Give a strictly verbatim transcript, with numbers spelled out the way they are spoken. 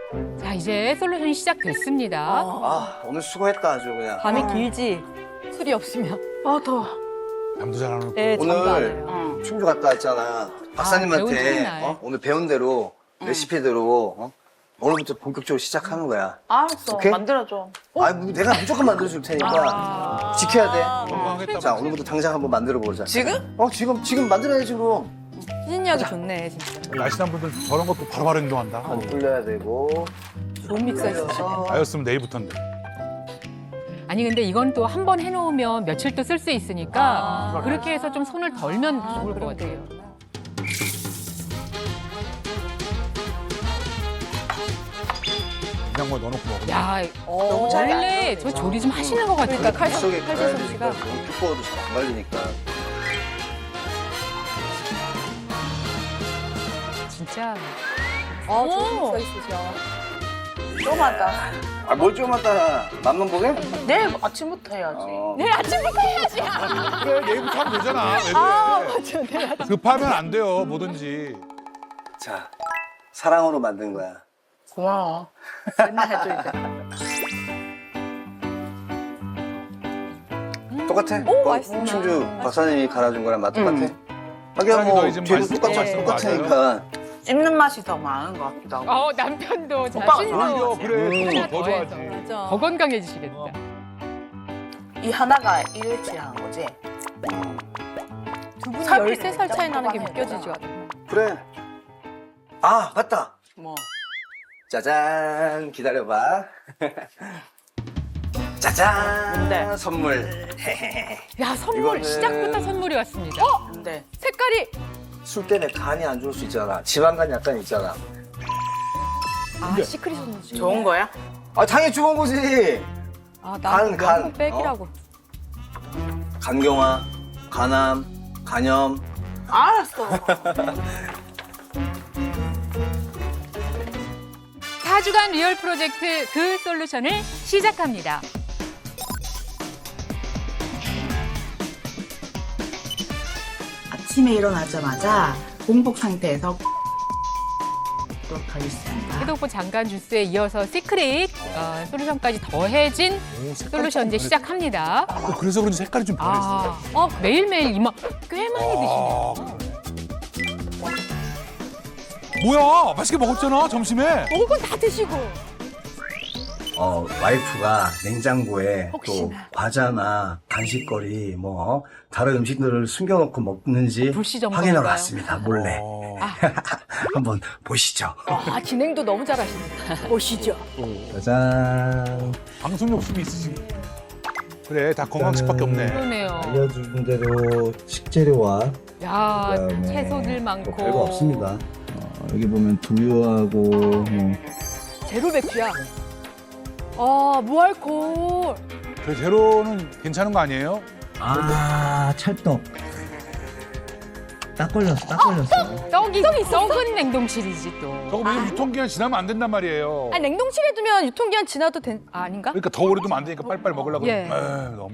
자, 이제 솔루션이 시작됐습니다. 아, 오늘 수고했다 아주 그냥. 밤이 길지. 술이 없으면. 아 더워. 잠도 잘 안 오고. 네, 잠도 안 오늘 와요. 충주 갔다 왔잖아. 배운 박사님한테 첫날. 어? 오늘 배운 대로 레시피대로 어? 오늘부터 본격적으로 시작하는 거야. 알았어. 오케이? 만들어줘. 아, 내가 무조건 만들어줄 테니까 지켜야 돼. 건강하겠다. 자, 오늘부터 당장 한번 만들어 보자. 지금? 어, 지금 지금 만들어야지 그럼. 추진력이 좋네, 진짜. 날씬한 분들 저런 것도 바로바로 행동한다. 간 불려야 되고. 좋은 믹서였어. 불려서. 나였으면 내일부터인데. 아니 근데 이건 또 한 번 해놓으면 며칠 또 쓸 수 있으니까 그렇게 해서 좀 손을 덜면 좋을 것 같아요. 냉장고에 넣어놓고 먹으면. 야, 너무 잘 원래 저 조리 좀 하시는 것 같아요. 그러니까 칼, 속에 칼질 가야 솜씨가. 되니까 너무 두꺼워도 잘 안 갈리니까. 진짜. 아, 좋은 믹서 있으셔. 좀 하다. 아, 뭘 좀 하다. 맛만 보게? 내일 아침부터 해야지. 어. 내일 아침부터 해야지. 그래, 내일부터 하면 되잖아. 왜 그래? 아, 맞아. 내일 아침. 급하면 안 돼요, 뭐든지. 자, 사랑으로 만든 거야. 고마워. 맨날 해줘 이제. 똑같아? 오, 어, 맛있다. 충주 박사님이 갈아준 거랑 맛 똑같아? 응. 하긴 사랑이 뭐 너희 집 뒤에도 맛있- 똑같아, 네. 똑같으니까. 씹는 맛이 더 많은 것 같기도 하고. 어, 남편도 오빠가 자신도 오히려 그래, 음. 더, 더 좋아하지. 맞아. 더 건강해지시겠다. 이 하나가 일일치 하는 거지. 두 분이 살이 열세 살 차이 나는 게 짬뽕 느껴지죠. 그래. 아, 맞다. 뭐. 짜잔, 기다려봐. 짜잔, 뭔데? 선물. 야, 선물 이거는- 시작부터 선물이 왔습니다. 근데 색깔이. 술 때문에 간이 안 좋을 수 있잖아. 지방간 약간 있잖아. 아, 시크릿 선지. 좋은 거야? 아, 당연히 좋은 거지. 아, 간, 나는 간. 명품 백이라고. 간경화, 간암, 간염. 알았어. 사 주간 리얼 프로젝트 그 솔루션을 시작합니다. 아침에 일어나자마자 공복 상태에서 도록 하겠습니다. 해독보 장간 주스에 이어서 시크릿 어, 솔루션까지 더해진 오, 색깔이 솔루션 이제 좀 시작합니다. 그래. 또 그래서 그런지 색깔이 좀 변했어. 아, 어, 매일매일 이만 꽤 많이 드시네요. 아, 뭐야, 맛있게 먹었잖아, 점심에. 먹을 건 다 드시고. 어, 와이프가 냉장고에 혹시나. 또 과자나 간식거리, 뭐, 다른 음식들을 숨겨놓고 먹는지 불시 점검인가요? 확인하러 왔습니다, 몰래. 어. 한번 보시죠. 아, 진행도 너무 잘하시네. 보시죠. 짜잔. 방송 욕심이 있으신. 그래, 다 건강식밖에 없네. 그러네요. 알려준 대로 식재료와 야, 그다음에 채소들 많고. 뭐 별거 없습니다. 어, 여기 보면 두유하고 뭐 제로 백주야. 아, 무알콜. 그 제로는 괜찮은 거 아니에요? 아 찰떡 딱 걸렸어 딱 걸렸어 떡이 썩은 냉동실이지 또. 저거 왜냐면 유통기한 지나면 안 된단 말이에요. 아, 냉동실에 두면 유통기한 지나도 된, 아, 아닌가? 그러니까 더 오래 두면 안 되니까 빨리빨리 먹으려고. 예. 에이, 너무.